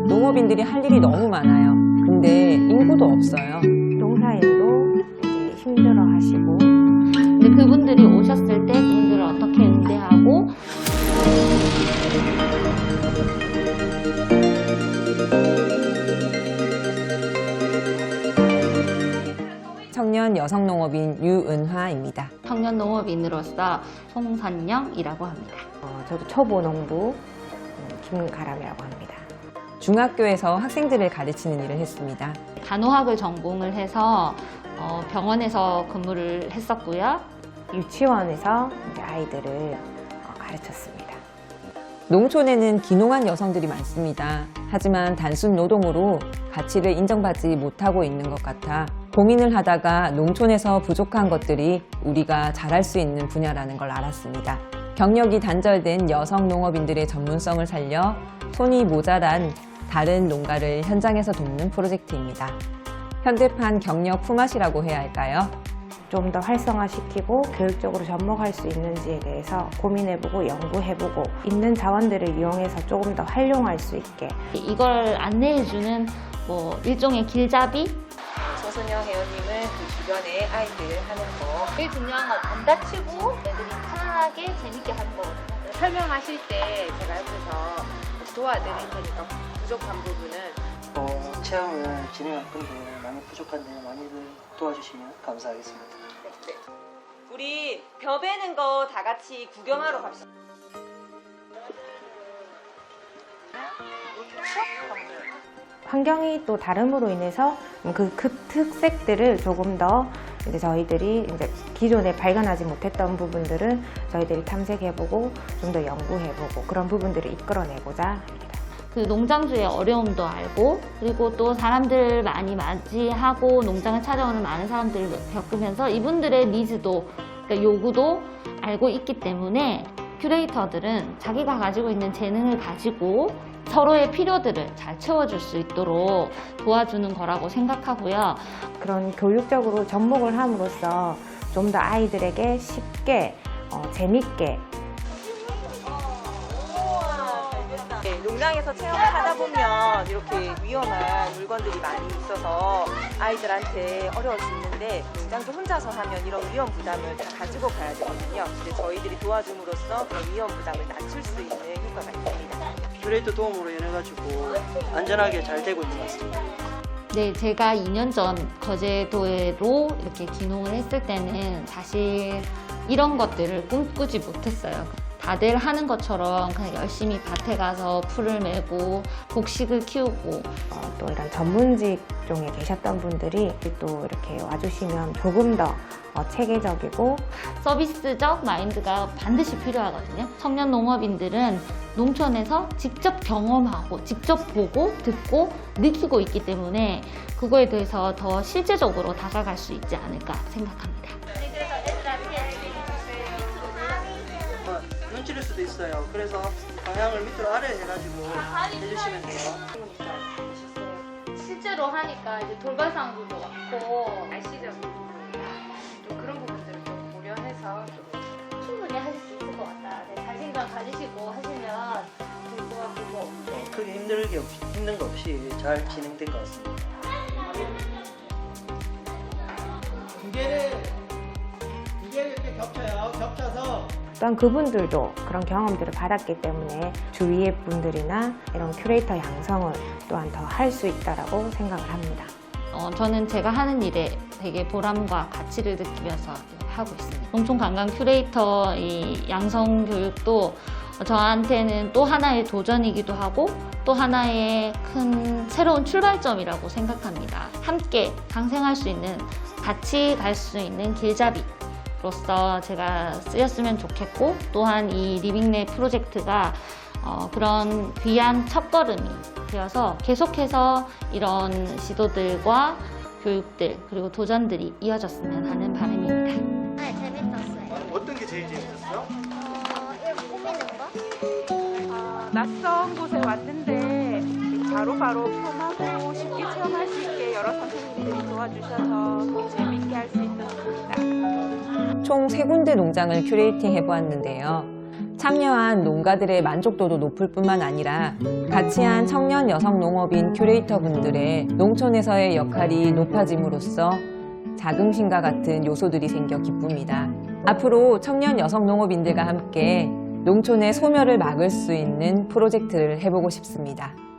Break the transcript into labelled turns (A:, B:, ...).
A: 농업인들이 할 일이 너무 많아요. 근데 인구도 없어요.
B: 농사일도 되게 힘들어 하시고.
C: 근데 그분들이 오셨을 때 그분들을 어떻게 응대하고
A: 청년 여성 농업인 유은화입니다.
C: 청년 농업인으로서 송선영이라고 합니다.
B: 저도 초보 농부 김가람이라고 합니다.
A: 중학교에서 학생들을 가르치는 일을 했습니다.
C: 간호학을 전공을 해서 병원에서 근무를 했었고요.
B: 유치원에서 이제 아이들을 가르쳤습니다.
A: 농촌에는 귀농한 여성들이 많습니다. 하지만 단순 노동으로 가치를 인정받지 못하고 있는 것 같아 고민을 하다가 농촌에서 부족한 것들이 우리가 잘할 수 있는 분야라는 걸 알았습니다. 경력이 단절된 여성 농업인들의 전문성을 살려 손이 모자란 다른 농가를 현장에서 돕는 프로젝트입니다. 현대판 경력 품앗이라고 해야 할까요?
B: 좀 더 활성화시키고 교육적으로 접목할 수 있는지에 대해서 고민해보고 연구해보고 있는 자원들을 이용해서 조금 더 활용할 수 있게
C: 이걸 안내해주는 일종의 길잡이?
A: 서순영 회원님은 그 주변에 아이들 하는 거
C: 제일 중요한 건 안 다치고 애들이 편하게 재밌게 하는 거거든요.
D: 설명하실 때 제가 옆에서 도와드릴 테니까 부족한 부분은
E: 체험을 진행할 건데 많이 부족한데 많이들 도와주시면 감사하겠습니다.
A: 네. 우리 벼 베는 거 다 같이 구경하러 갑시다.
B: 환경이 또 다름으로 인해서 그 특색들을 조금 더 이제 저희들이 이제 기존에 발견하지 못했던 부분들을 저희들이 탐색해보고 좀 더 연구해보고 그런 부분들을 이끌어내고자 합니다.
C: 그 농장주의 어려움도 알고 그리고 또 사람들 많이 맞이하고 농장을 찾아오는 많은 사람들을 겪으면서 이분들의 니즈도 그러니까 요구도 알고 있기 때문에 큐레이터들은 자기가 가지고 있는 재능을 가지고 서로의 필요들을 잘 채워줄 수 있도록 도와주는 거라고 생각하고요.
B: 그런 교육적으로 접목을 함으로써 좀 더 아이들에게 쉽게 재밌게
F: 농장에서 체험을 하다 보면 이렇게 위험한 물건들이 많이 있어서 아이들한테 어려울 수 있는데 농장도 혼자서 하면 이런 위험 부담을 다 가지고 가야 되거든요. 근데 저희들이 도와줌으로써 그런 위험 부담을 낮출 수 있는 효과가 있습니다.
E: 큐레이터 도움으로 인해가지고 안전하게 잘 되고 있는 것 같습니다.
C: 네, 제가 2년 전 거제도로 이렇게 귀농을 했을 때는 사실 이런 것들을 꿈꾸지 못했어요. 다들 하는 것처럼 그냥 열심히 밭에 가서 풀을 메고 곡식을 키우고
B: 또 이런 전문 직종에 계셨던 분들이 또 이렇게 와주시면 조금 더 체계적이고
C: 서비스적 마인드가 반드시 필요하거든요. 청년 농업인들은 농촌에서 직접 경험하고 직접 보고 듣고 느끼고 있기 때문에 그거에 대해서 더 실제적으로 다가갈 수 있지 않을까 생각합니다.
E: 눈치릴 수도 있어요. 그래서 방향을 밑으로 아래 해가지고 해주시면 돼요.
C: 실제로 하니까 이제 돌발상도 많고
D: 날씨적 좀 그런 부분들을 좀 고려해서 좀
C: 충분히 하실 수 있을 것 같다. 네, 자신감 가지시고 하시면 될 것 같고
E: 크게 힘든 거 없이 잘 진행된 것 같습니다.
G: 두 개를 이렇게 겹쳐요. 겹쳐서
B: 또한 그분들도 그런 경험들을 받았기 때문에 주위의 분들이나 이런 큐레이터 양성을 또한 더 할 수 있다라고 생각을 합니다.
C: 저는 제가 하는 일에 되게 보람과 가치를 느끼면서 하고 있습니다. 농촌 관광 큐레이터 이 양성 교육도 저한테는 또 하나의 도전이기도 하고 또 하나의 큰 새로운 출발점이라고 생각합니다. 함께 상생할 수 있는, 같이 갈 수 있는 길잡이로서 제가 쓰였으면 좋겠고 또한 이 리빙네 프로젝트가 그런 귀한 첫걸음이 되어서 계속해서 이런 시도들과 교육들 그리고 도전들이 이어졌으면 하는 바람입니다.
H: 네, 재밌었어요.
G: 어떤 게 제일 재밌었어요?
H: 이렇게 꾸미는 거?
F: 낯선 곳에 왔는데 바로바로 편하고 쉽게 체험할 수 있게 여러 선생님들이 도와주셔서 재밌게 할 수 있었습니다.
A: 총 3군데 농장을 큐레이팅 해보았는데요. 참여한 농가들의 만족도도 높을 뿐만 아니라 같이 한 청년 여성 농업인 큐레이터 분들의 농촌에서의 역할이 높아짐으로써 자긍심과 같은 요소들이 생겨 기쁩니다. 앞으로 청년 여성 농업인들과 함께 농촌의 소멸을 막을 수 있는 프로젝트를 해보고 싶습니다.